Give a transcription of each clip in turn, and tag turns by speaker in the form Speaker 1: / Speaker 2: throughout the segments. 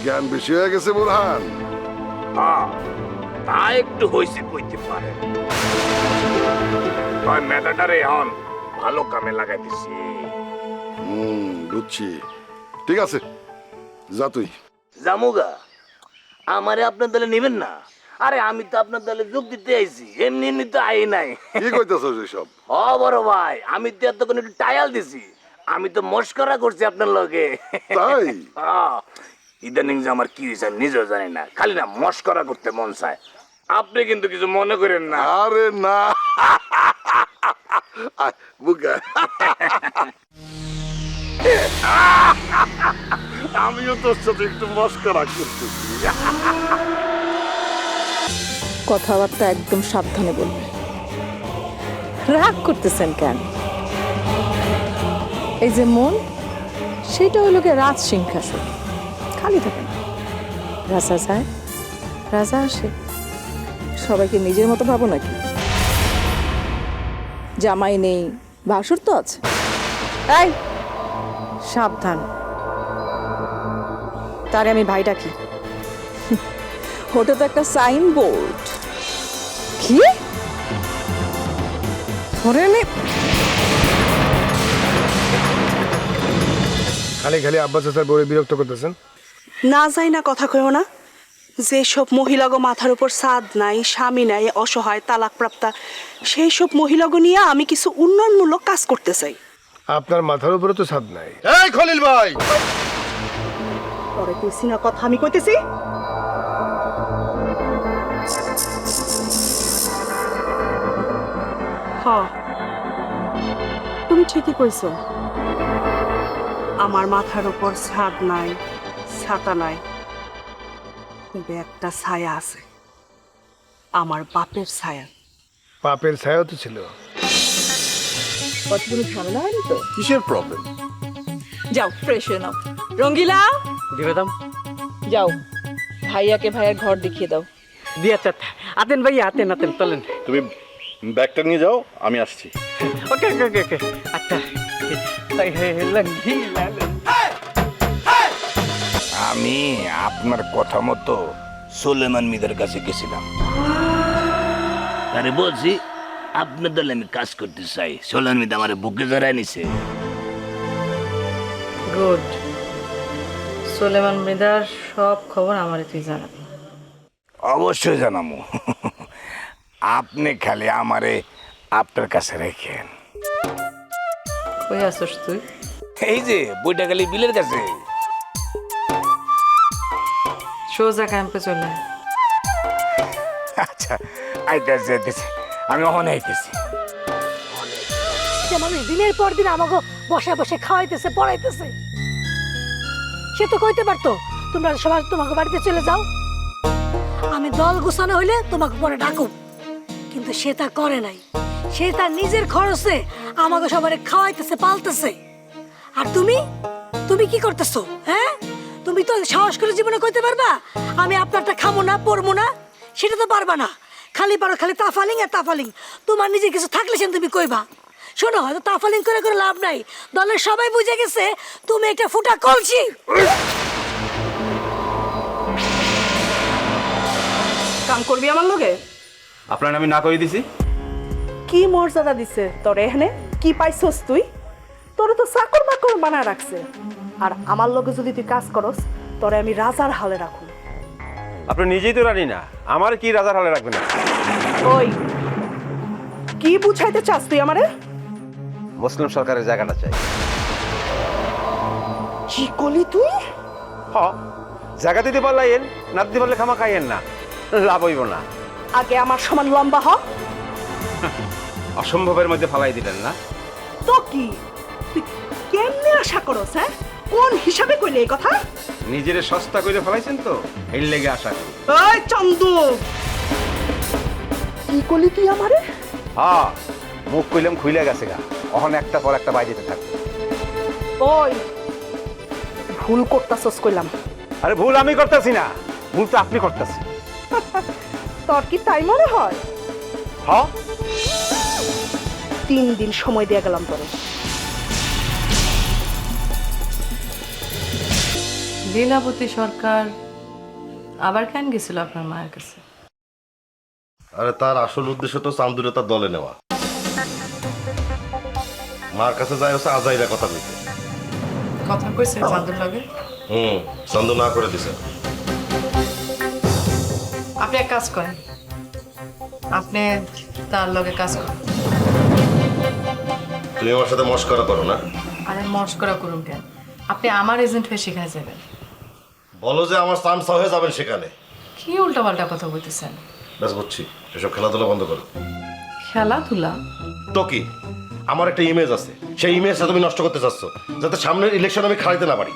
Speaker 1: জ্ঞান বেশি হয়ে গেছে বুরহান?
Speaker 2: হ্যাঁ, তা একটু হইছে কইতে পারে। মেধাটারে এখন ভালো কামে লাগাই দিছি।
Speaker 1: বুঝছি। ঠিক আছে, যা তুই।
Speaker 2: জামুগা, আমারে আপনার দলে নেবেন না? আরে আমি তো আপনার দলে যোগ দিতে আইছি, এমনি এমনি তো আই নাই।
Speaker 1: কি কইতেছস এসব?
Speaker 2: ও বড় ভাই, আমি তো এতক্ষণ একটু টায়াল দিছি। আমি তো মস্করা করছি আপনার লগে।
Speaker 1: তাই?
Speaker 2: ইদানিং যে আমার কি হয়েছে আমি নিজেও জানি না, খালি না মস্করা করতে মন চায়। আপনি কিন্তু কিছু মনে করেন না।
Speaker 1: আরে না, বুকা। আমিও তোর সাথে একটু মস্করা করতেছি।
Speaker 3: কথাবার্তা একদম সাবধানে বলবেন। রাগ করতেছেন কেন? এই যে মন, সেটা হইল গিয়ে রাজ সিংহাসন, খালি থাকে না। রাজা যায়, রাজা আসে। সবাইকে নিজের মতো ভাবো নাকি? জামাই নেই, ভাসুর তো আছে। এই সাবধান, তারে আমি ভাই ডাকি। ওটা তো একটা সাইনবোর্ড। কি
Speaker 4: খালি খালি আব্বাস চাচার বউরে বিরক্ত করতেছেন।
Speaker 5: না যাই না কথা কইও না। যেসব মহিলাগো মাথার উপর ছাদ নাই, স্বামী নাই, অসহায়, তালাকপ্রাপ্তা, সেই সব মহিলাগো নিয়ে আমি কিছু উন্নয়নমূলক কাজ করতে চাই।
Speaker 4: আপনার মাথার উপরে তো ছাদ নাই।
Speaker 1: এই খলিল ভাই,
Speaker 5: পরে কইছি না কথা, আমি কইতেছি। হ্যাঁ, তুমি ঠিকই কইছো। আমার মাথার উপর ছাদ নাই, ছাতা নাই, কিন্তু একটা ছায়া আছে, আমার বাপের ছায়া।
Speaker 4: পাপের ছায়াও তো ছিল।
Speaker 3: কতগুলো ঝামেলা হয়নি তো?
Speaker 1: কিসের প্রবলেম?
Speaker 3: যাও ফ্রেশ হয়ে নাও। রঙ্গিলা,
Speaker 6: দিবে দাম
Speaker 3: যাও ভাইয়াকে ভাইয়ের ঘর দেখিয়ে দাও।
Speaker 6: দিয়া চাত আতেন ভাই, আতেন আতেন চলেন।
Speaker 7: তুমি ব্যাগটা নিয়ে যাও, আমি আসছি।
Speaker 6: ওকে ওকে ওকে ওকে আচ্ছা।
Speaker 2: আমি আপনার কথা মতো সুলেমান মিদের কাছে গেছিলাম। আরে বলছি, আপনার দলে আমি কাজ করতে চাই। সুলেমান মিদ আমার বুকে জড়ায় নিছে।
Speaker 8: গুড। সুলেমান মৃদার সব খবর আমারে তুই জানাবি।
Speaker 2: অবশ্যই জানাবো। আপনি খালি আমারে আপনার কাছে রেখেন।
Speaker 8: কই আসছ তুই?
Speaker 2: এই যে বইটা খালি বিলের কাছে।
Speaker 8: সোজা ক্যাম্পে চলে আয়।
Speaker 2: আচ্ছা, আইতাছে আইতাছে, আমি ওখানে আইতেছি।
Speaker 9: যে মানুষ দিনের পর দিন আমাকে বসে বসে খাওয়াইতেছে, পড়াইতেছে, সে তো কইতে পারতো তোমরা সবাই তোমাকে বাড়িতে চলে যাও, আমি দল গোছানো হইলে তোমাকে পরে ডাকুম। কিন্তু সে তা করে নাই। সে তার নিজের খরচে আমাকে সবাই খাওয়াইতেছে, পালতেছে। আর তুমি তুমি কি করতেছো? হ্যাঁ, তুমি তো সাহস করে জীবনে কইতে পারবা আমি আপনারটা খাবো না, পরবো না? সেটা তো পারবা না। খালি পারো খালি তাফালিং আর তাফালিং। তোমার নিজের কিছু থাকলে সেন তুমি কইবা। শোনো, হয়তো তাফালিং করে করে লাভ নাই। দলের সবাই বুঝে গেছে তুমি একটা ফুটা কলসি।
Speaker 5: কাম করবি আমার লগে?
Speaker 7: আপনার আমি না করে দিছি।
Speaker 5: কি মর্যাদা দিছে তোর এখানে? কি পাইছস তুই? তোরে তো চাকর বাকর বানায় রাখছে। আর আমার লগে যদি তুই কাজ করস, তোরে আমি রাজার হালে রাখুন।
Speaker 10: আপনি নিজেই তো রানী না, আমার কি রাজার হালে রাখবেন?
Speaker 5: ওই কি বুঝাইতে চাস তুই আমারে?
Speaker 10: মুসলিম সরকারের জায়গাটা চাই।
Speaker 5: কি কলি তুই?
Speaker 10: হ, জায়গা দিতে পারলেন, না দিতে পারলে খামা খাইয়েন না, লাভ হইব না।
Speaker 5: আগে আমার সমান লম্বা হ।
Speaker 10: অসম্ভবের মধ্যে ফালাই দিলেন না
Speaker 5: তো কি তুই কেমনে আশা করস? হ্যাঁ, কোন হিসাবে কইলে এই কথা?
Speaker 10: নিজের সস্তা করে ফেলাইছেন তো, এর লেগে আশা করি।
Speaker 5: ওই চন্দু, কি কলি তুই আমারে?
Speaker 10: হ্যাঁ, মুখ কইলাম খুইলে গেছে গা, অহন একটা পর একটা বাই দিতে থাকবে।
Speaker 5: ওই ভুল করতাছস কইলাম।
Speaker 10: আরে ভুল আমি করতেছি না, ভুল তো আপনি করতেছেন।
Speaker 5: তোর কি তাই মনে হয়?
Speaker 10: হ্যাঁ,
Speaker 5: 3 দিন সময় দিয়ে গেলাম তোরে।
Speaker 8: লীলাবতী সরকার আবার কেন গেছিল আপনার মায়ের কাছে?
Speaker 1: আরে তার আসল উদ্দেশ্য তো চান্দুরে তার দলে নেওয়া। মার কাছে যায় হচ্ছে আজাইরা কথা কইতে।
Speaker 8: কথা কইছে চাঁদুর লগে?
Speaker 1: চান্দু না করে দিছে।
Speaker 8: আপনি এক কাজ করেন, আপনি তার লগে কাজ করেন।
Speaker 1: তুমি আমার সাথে মস্করা করো না।
Speaker 8: আরে মস্করা করুন কেন? আপনি আমার এজেন্ট হয়ে সেখানে যাবেন।
Speaker 1: বলো যে আমার চান্স হয়ে যাবেন সেখানে।
Speaker 8: কি উল্টাপাল্টা কথা বলতেছেন?
Speaker 1: ব্যাস বুঝছি, এসব খেলাধুলা বন্ধ করো।
Speaker 8: খেলাধুলা?
Speaker 1: তো কি, আমার একটা ইমেজ আছে, সেই ইমেজটা তুমি নষ্ট করতে চাচ্ছ যাতে সামনের ইলেকশন আমি খাইতে না পারি।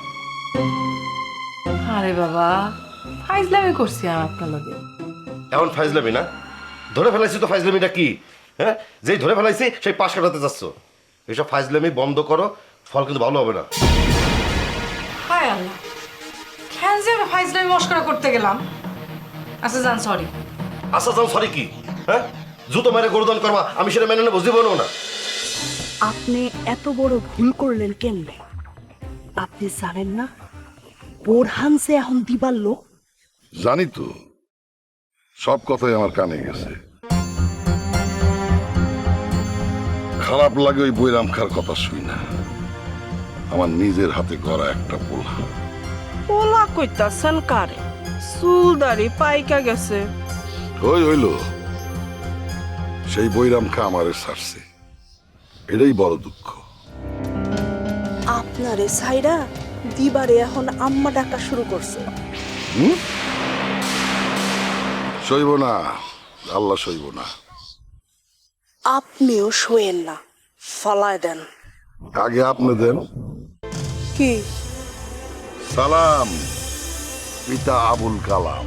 Speaker 8: আরে বাবা, ফাইজলামি করছি আমি আপনার লগে।
Speaker 1: এখন ফাইজলামি না, ধরে ফেলাইছি তো। ফাইজলামিটা কি? হ্যাঁ, যেই ধরে ফেলাইছি সেই পাশ কাটাতে চাচ্ছ। এইসব ফাইজলামি বন্ধ করো, ফল কিন্তু ভালো হবে না।
Speaker 8: হায় আল্লাহ, কেন যে আমি ফাইজলামি মস্করা করতে গেলাম? আচ্ছা যান, সরি।
Speaker 1: আচ্ছা যাও, সরি কি? হ্যাঁ, জুতো মেরে গরুদান করবা, আমি সেটা মেনে নেবো জীবনেও না।
Speaker 5: আপনি এত বড় ভুল করলেন কেমনে? আপনি জানেন না বোরহান যে এখন দিবার লোক?
Speaker 11: জানি তো, সব কথাই আমার কানে গেছে। খারাপ লাগে ওই বৈরাম খার কথা শুই না। আমার নিজের হাতে করা একটা পোলা।
Speaker 5: পোলা কইতাছেন কারে? চুল দাড়ি পাইকা গেছে।
Speaker 11: ওই হইল, সেই বৈরাম খা আমারে ছাড়ছে, এটাই বড় দুঃখ।
Speaker 5: আপনারে সাইরা দিবারে এখন আম্মা ডাকা শুরু করছে।
Speaker 11: সইব না, আল্লাহ সইব না।
Speaker 5: আপনিও শোয়েন না, ফালায় দেন।
Speaker 11: আগে আপনি দেন।
Speaker 5: কি?
Speaker 11: সালাম পিতা আবুল কালাম,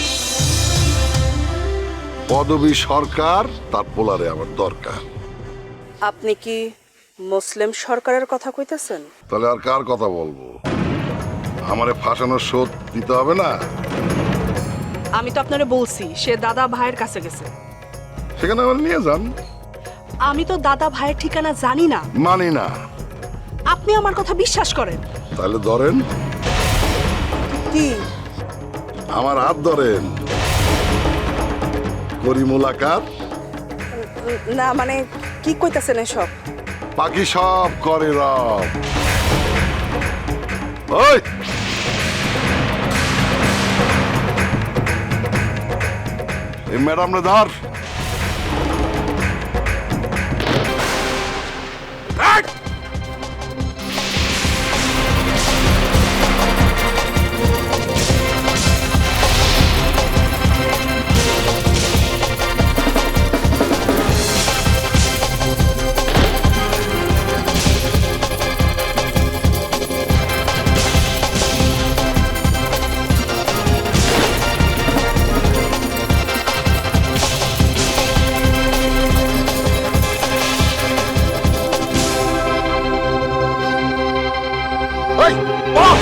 Speaker 11: পদবী সরকার, তার পোলারে আমার দরকার।
Speaker 5: আপনি কি মুসলিম সরকারের কথা কইতেছেন?
Speaker 11: তাহলে আর কার কথা বলবো? আমারে ফাঁসানোর শোধ দিতে হবে না?
Speaker 5: আমি তো আপনারে বলছি সে দাদা ভাইয়ের কাছে গেছে।
Speaker 11: সেখানে আমার নিয়ে যান।
Speaker 5: আমি তো দাদা ভাইয়ের ঠিকানা জানি না।
Speaker 11: মানি না।
Speaker 5: আপনি আমার কথা বিশ্বাস করেন?
Speaker 11: তাহলে ধরেন,
Speaker 5: কি?
Speaker 11: আমার হাত ধরেন, করি মুলাকাত।
Speaker 5: না মানে কি কইতাছেন এসব?
Speaker 11: বাকি সব করে রব। ওই এই ম্যাডাম রে ধর। ওই বাহ!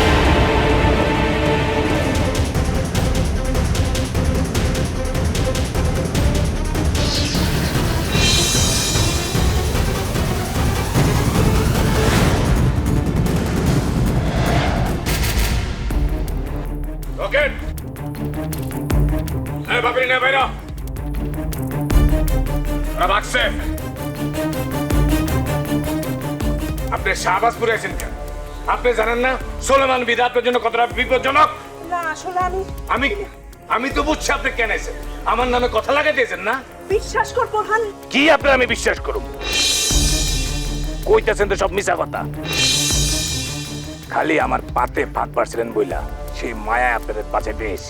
Speaker 2: রকেট, এই বাপরি নে বাইরা রাখছে। আপনি শাহবাজপুরে আছেন কেন? আপনি জানেন না সোলেমান বিদা আপনার জন্য কতটা বিপজ্জনক?
Speaker 5: না আসলে
Speaker 2: আমি তো বুঝছি আপনি কেন আছেন। আমার নামে কথা লাগাইতেছেন না?
Speaker 5: বিশ্বাস কর বোরহান।
Speaker 2: কি আপনি আমি বিশ্বাস করব? কইতেছেন তো সব মিছা কথা। খালি আমার পাতে ফাঁক পারছিলেন বইলা সেই মায়া আপনাদের পাশে পেয়েছি।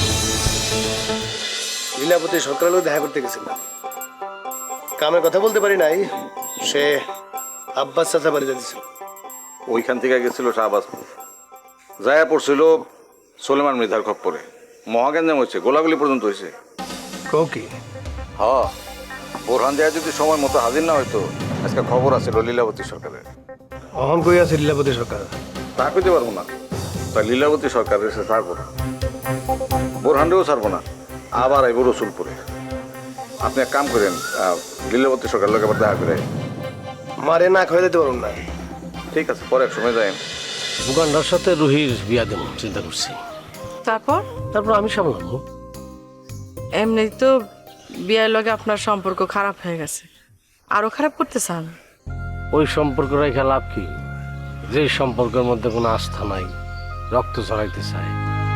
Speaker 4: লীলাবতী সরকারের লোক দেখা করতে গেছিলাম, কামের কথা বলতে পারি নাই। সে আব্বাস চাচা বাড়ি যাচ্ছিল।
Speaker 7: ওইখান থেকে গেছিল শাহবাজপুর, যায়া পড়ছিল সোলেমান মৃধার খপ্পরে। মহাগঞ্জাম হয়েছে, গোলাগুলি পর্যন্ত হয়েছে।
Speaker 4: কৌকি
Speaker 7: হ, বোরহান দেয়া যদি সময় মতো হাজির না হইতো আজকে খবর আছে লীলাবতী সরকারের।
Speaker 4: অহন কই আছে লীলাবতী সরকার?
Speaker 7: তা কইতে পারবো না। তাই লীলাবতী সরকারের এসে ছাড়বো না, বোরহানরেও ছাড়বো না, আবার আইব রসুলপুরে। আপনি এক কাম করেন, লীলাবতী সরকার লোক আবার দেখা করে।
Speaker 4: মারে না খাওয়া দিতে পারুন না।
Speaker 7: ঠিক আছে, পরে এক সময় যাই।
Speaker 12: মুকান্ডার সাথে রুহির বিয়া দেব চিন্তা করছি।
Speaker 8: তারপর
Speaker 12: তারপর আমি সামলাবো।
Speaker 8: এমনি তো বিয়ের লগে আপনার সম্পর্ক খারাপ হয়ে গেছে, আরো খারাপ করতে চান?
Speaker 12: ওই সম্পর্ক রেখে লাভ কি, যে সম্পর্কের মধ্যে কোনো আস্থা নাই, রক্ত ছড়াইতে চায়।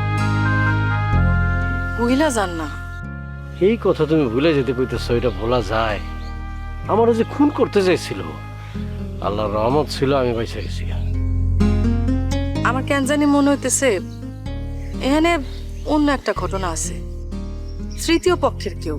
Speaker 8: বুঝলা যান না।
Speaker 12: এই কথা তুমি ভুলে যেতে কইতেছ, এটা ভোলা যায়? আমারও যে খুন করতে চাইছিল, আল্লাহর রহমত ছিল আমি বেঁচে গেছি।
Speaker 8: আমার কেন জানি মনে হইতেছে এখানে অন্য একটা ঘটনা আছে, তৃতীয় পক্ষের কেউ।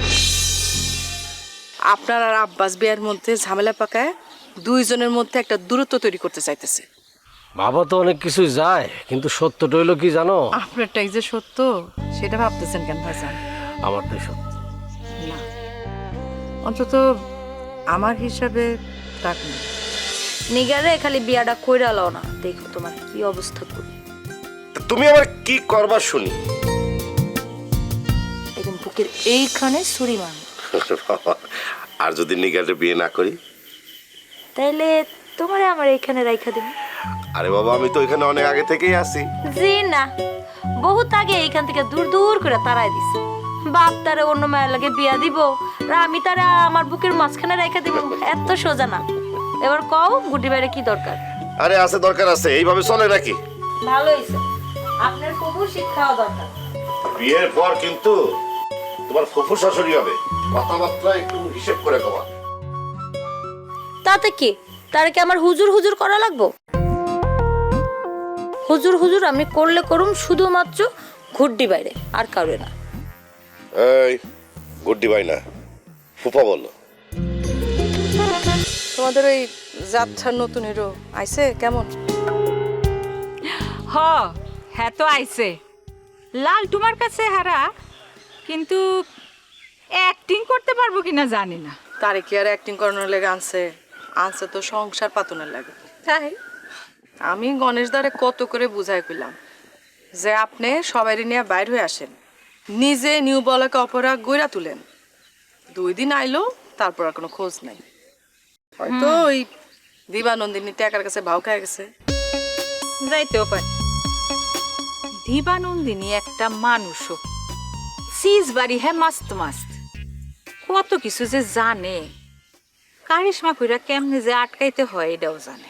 Speaker 8: আপনার আর আব্বাস বিয়ের মধ্যে ঝামেলা পাকায় দুইজনের মধ্যে একটা দূরত্ব তৈরি করতে চাইতেছে।
Speaker 12: বাবা তো অনেক কিছুই যায়, কিন্তু সত্যটা হইলো কি জানো?
Speaker 8: আপনারটাই যে সত্য সেটা ভাবতেছেন কেন ভাইজান?
Speaker 12: আমারটাই সত্য
Speaker 8: না, অন্তত আমার হিসাবে তাক না।
Speaker 9: নিগারে খালি বিয়াটা কইরা লও না, দেখো তোমার কি অবস্থা করি।
Speaker 1: তুমি আবার কি করবা শুনি?
Speaker 9: একদম বুকের এইখানে ছুরি মারব।
Speaker 1: আর যদি নিগারে বিয়ে না করি?
Speaker 9: তাইলে তোমারে আমার এইখানে রাইখা দেব।
Speaker 1: আরে বাবা, আমি তো এখানে অনেক আগে থেকেই আছি।
Speaker 9: জি না, বহুত আগে এইখান থেকে দূর দূর করে তাড়াই দিছে। বাপ তারে অন্য মায়ের লাগে বিয়া দিব, আর আমি তারে আমার বুকের মাঝখানে রাইখা দিব, এত সোজা না। এবার কও গুটি বাইরে কি দরকার?
Speaker 1: আরে আছে, দরকার আছে। এইভাবে চলে নাকি?
Speaker 9: ভালো হইছে, আপনার প্রভু শিক্ষাও দরকার।
Speaker 1: বিয়ের পর কিন্তু তোমার ফুফু শাশুড়ি হবে, কথাবার্তা একটু হিসেব করে কবা।
Speaker 9: তাতে কি, তারে কি আমার হুজুর হুজুর করা লাগবো? হুজুর হুজুর আমি করলে করুম শুধুমাত্র ঘুড্ডি বাইরে, আর কারো না।
Speaker 1: এই গুড্ডি ভাই না, ফুফা বলো।
Speaker 8: তোমাদের ওই যাত্রার নতুন হিরো আইছে কেমন?
Speaker 13: হ্যাঁ তো আইছে। লাল তোমার কাছে হারা, কিন্তু অ্যাক্টিং করতে পারবো কিনা জানি না।
Speaker 8: তারে কি আর অ্যাক্টিং করানোর লেগে আনছে? আনছে তো সংসার পাতনের লাগে।
Speaker 13: তাই
Speaker 8: আমি গণেশ দ্বারে কত করে বুঝাই কইলাম যে আপনি সবাই নিয়ে বাইর হয়ে আসেন, নিজে নিউ বলাকে অপরাগ গইরা তুলেন। 2 দিন আইলো, তারপর আর কোনো খোঁজ নাই। হয়তো ওই দিবানন্দিনী টাকার কাছে ভাও খায় গেছে।
Speaker 13: যাইতেও পারে। দিবানন্দিনী একটা মানুষও, সিজ বাড়ি হ্যাঁ মাস্ত মাস্ত, কত কিছু যে জানে। কারিশমা কইরা কেমনে যে আটকাইতে হয় এটাও জানে।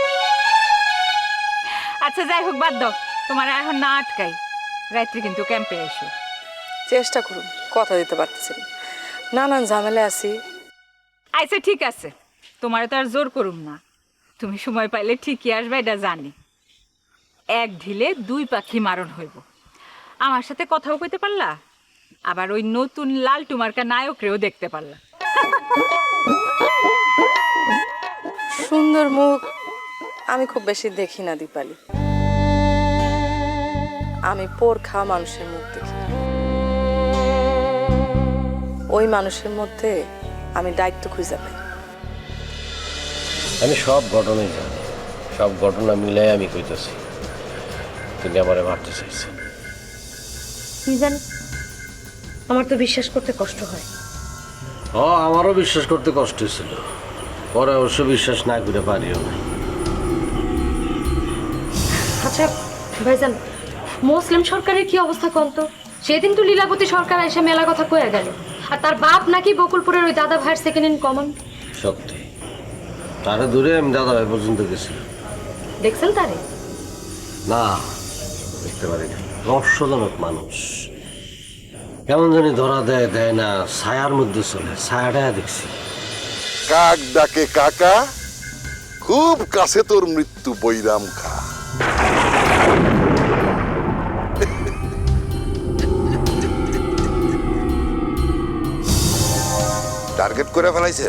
Speaker 13: আচ্ছা যাই হোক, বাদ দাও, তোমার এখন না আটকাই। রাত্রে কিন্তু ক্যাম্পে এসো।
Speaker 8: চেষ্টা করুন, কথা দিতে পারতেছেন, নানান ঝামেলা আছি।
Speaker 13: আচ্ছা ঠিক আছে, তোমারে তো আর জোর করুম না। তুমি সময় পাইলে ঠিকই আসবে, এটা জানি। এক ঢিলে 2 পাখি মারণ হইব। আমার সাথে কথাও কইতে পারলা, আবার ওই নতুন লাল টুমার্কা নায়করেও দেখতে পারলা।
Speaker 8: সুন্দর মুখ আমি খুব বেশি দেখি না দীপালি, আমি পোর খাওয়া মানুষের মুখ দেখি। ওই মানুষের মধ্যে আমি দায়িত্ব খুঁজে পাই।
Speaker 12: আমি সব ঘটনাই জানি, সব ঘটনা মিলাই আমি কইতেছি। তিনি আমারে মারতে চাইছে।
Speaker 9: কি জানি, আমার তো বিশ্বাস করতে কষ্ট হয়।
Speaker 12: আমারও বিশ্বাস করতে কষ্ট ছিল, পরে অবশ্য বিশ্বাস না করে পারিও না।
Speaker 9: আচ্ছা ভাইজান, মুসলিম সরকারের কি অবস্থা কোন তো? সেদিন তো লীলাবতী সরকার এসে মেলা কথা কয়ে গেল, আর তার বাপ নাকি বকুলপুরের ওই দাদা ভাইয়ের সেকেন্ড ইন কমন।
Speaker 12: সত্যি, তারে দূরে আমি দাদা ভাই পর্যন্ত গেছিলাম।
Speaker 9: দেখছেন তারে?
Speaker 12: না, দেখতে পারি না। রহস্যজনক মানুষ, কেমন জানি ধরা দেয় দেয় না, ছায়ার মধ্যে চলে। ছায়াটা দেখছি।
Speaker 11: কাক ডাকে কাকা, খুব কাছে তোর মৃত্যু বৈরাম খা।
Speaker 1: টার্গেট করে ফেলাইছেন?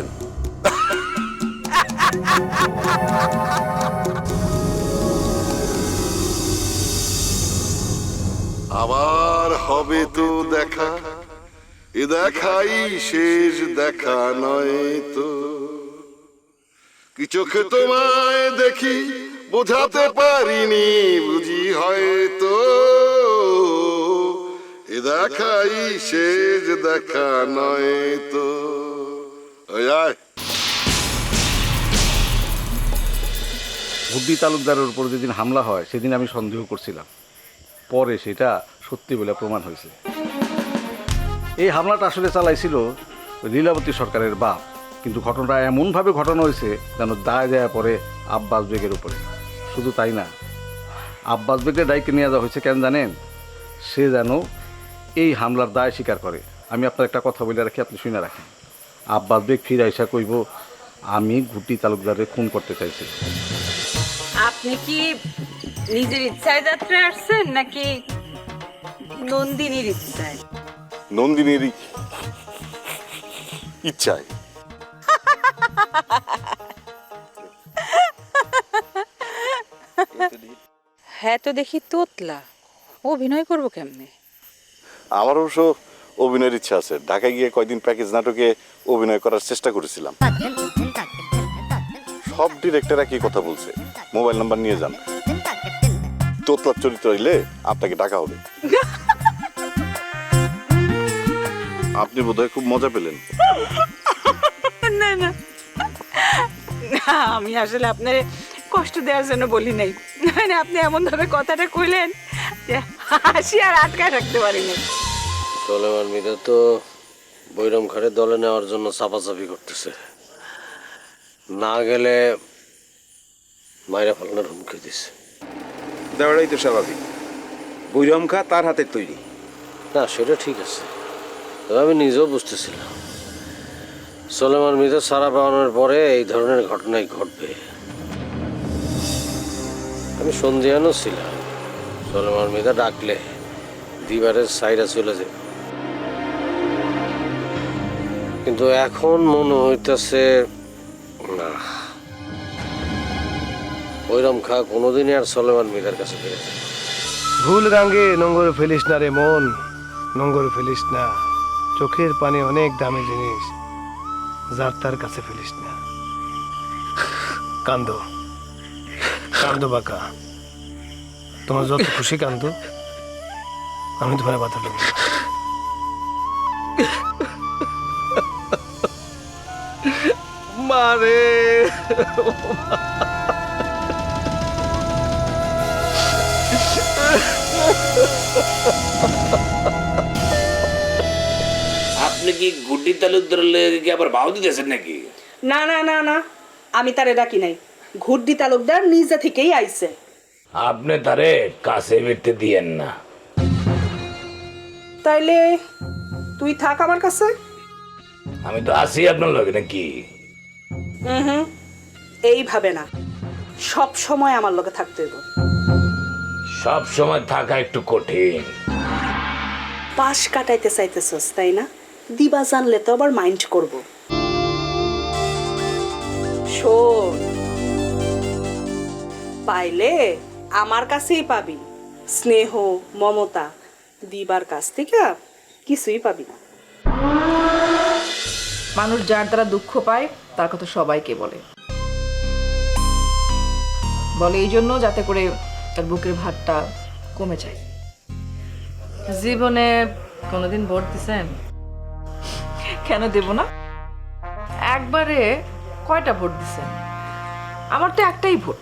Speaker 11: আবার হবে তো দেখা, এ দেখাই শেষ দেখা নয় তো। কি চোখে তোমায় দেখি বোঝাতে পারিনি, বুঝি হয়তো এ দেখাই শেষ দেখা নয় তো। ওই আয়।
Speaker 7: বুদ্ধি তালুকদারের উপর যেদিন হামলা হয় সেদিন আমি সন্দেহ করছিলাম, পরে সেটা সত্যি বলে প্রমাণ হয়েছে। এই হামলাটা আসলে চালাইছিল লীলাবতী সরকারের বাপ, কিন্তু ঘটনাটা এমনভাবে ঘটানো হয়েছে যেন দায় দেয়া পরে আব্বাস বেগের উপরে। শুধু তাই না, আব্বাস বেগকে দায়িত্বে নিয়ে যাওয়া হয়েছে কেন জানেন? সে যেন এই হামলার দায় স্বীকার করে। আমি আপনার একটা কথা বলে রাখি, আপনি শুনে রাখেন। আব্বাস বেগ ফিরে আইসা কইব আমি গুটি তালুকদারের খুন করতে চাইছি।
Speaker 13: আপনি কি নিজের ইচ্ছায় যাত্রা আসছেন নাকি নন্দিনীর ইচ্ছায়?
Speaker 11: নন্দিনীরই ইচ্ছায়।
Speaker 13: হ্যাঁ তো দেখি তোতলা অভিনয় করবো কেমনে?
Speaker 11: আমার অবশ্য অভিনয়ের ইচ্ছা আছে। ঢাকায় গিয়ে কয়দিন প্যাকেজ নাটকে অভিনয় করার চেষ্টা করেছিলাম। সব ডিরেক্টর একই কথা বলছে, মোবাইল নাম্বার নিয়ে যান, তোতলার চরিত্র হইলে আপনাকে ডাকা হবে। আপনি বোধহয় খুব মজা পেলেন।
Speaker 13: না না না, আমি আসলে আপনার কষ্ট দেওয়ার জন্য বলি নাই, মানে আপনি এমন ভাবে কথাটা কইলেন যে হাসি আর আটকায় রাখতে পারিনি।
Speaker 12: সোলেমান মিদা তো বৈরম খাড়ে দলে নেওয়ার জন্য চাপাচাপি করতেছে, না গেলে মাইরা ফালানোর হুমকি দিছে।
Speaker 10: দেওয়াটাই তো স্বাভাবিক, বৈরাম খা তার হাতের তৈরি।
Speaker 12: না সেটা ঠিক আছে, তবে আমি নিজেও বুঝতেছিলাম সোলেমান মিদা সারা পাওয়ানোর পরে এই ধরনের ঘটনাই ঘটবে। আমি সন্ধিয়ানও ছিলাম, সোলেমান মিদা ডাকলে দিবারের সাইডা চলে যাবে, কিন্তু এখন মনে হইতেছে না, ওইরম খা কোনোদিনই আর সোলেমান মিদার কাছে ফিরে যাবে।
Speaker 4: ভুল গাঙ্গে নোংর ফেলিস না রে মন, নোংর ফেলিস না। চোখের পানি অনেক দামি জিনিস, যার তার কাছে ফেলিস না। কান্দো কান্দো বাঁকা, তোমার যত খুশি কান্দো, আমি তোমার বাধা দেব না।
Speaker 7: মারে
Speaker 2: আপনি কি গুড্ডি তালুকদারের লেগে কি আবার ভাও দিতেছেন নাকি?
Speaker 5: না না না না, আমি তারে ডাকি নাই, ঘুরদি তালুকদার নিজে থেকেই আইছে।
Speaker 2: আপনি তারে কাছে বেরতে দিয়েন না।
Speaker 5: তাইলে তুই থাক আমার কাছে।
Speaker 2: আমি তো আছি আপনার লগে নাকি?
Speaker 5: হুম, এইভাবে না, সব সময় আমার লগে থাকতে হইব।
Speaker 2: সব সময় থাকা একটু কঠিন।
Speaker 5: পাশ কাটাইতে চাইতেছস তাই না? দিবা জানলে তো আবার মাইন্ড করব। শোন, পাইলে আমার কাছেই পাবি স্নেহ মমতা, দিবার কাছ থেকে কিছুই পাবি না।
Speaker 8: মানুষ যার দ্বারা দুঃখ পায় তার কথা সবাইকে বলে এই জন্য যাতে করে তার বুকের ভারটা কমে যায়। জীবনে কোনোদিন ভোট দিছেন? কেন দেব না? একবারে কয়টা ভোট দিছেন? আমার তো একটাই ভোট।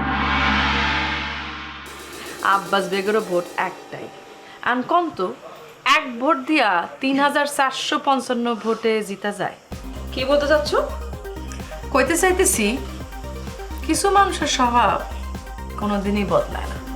Speaker 8: আব্বাস বেগেরও ভোট একটাই। আনকন্ত এক ভোট দিয়া ৩,৪৫৫ ভোটে জিতা যায়। কি বলতে চাচ্ছ? কইতে চাইতেছি কিছু মানুষের স্বভাব কোনোদিনই বদলায় না।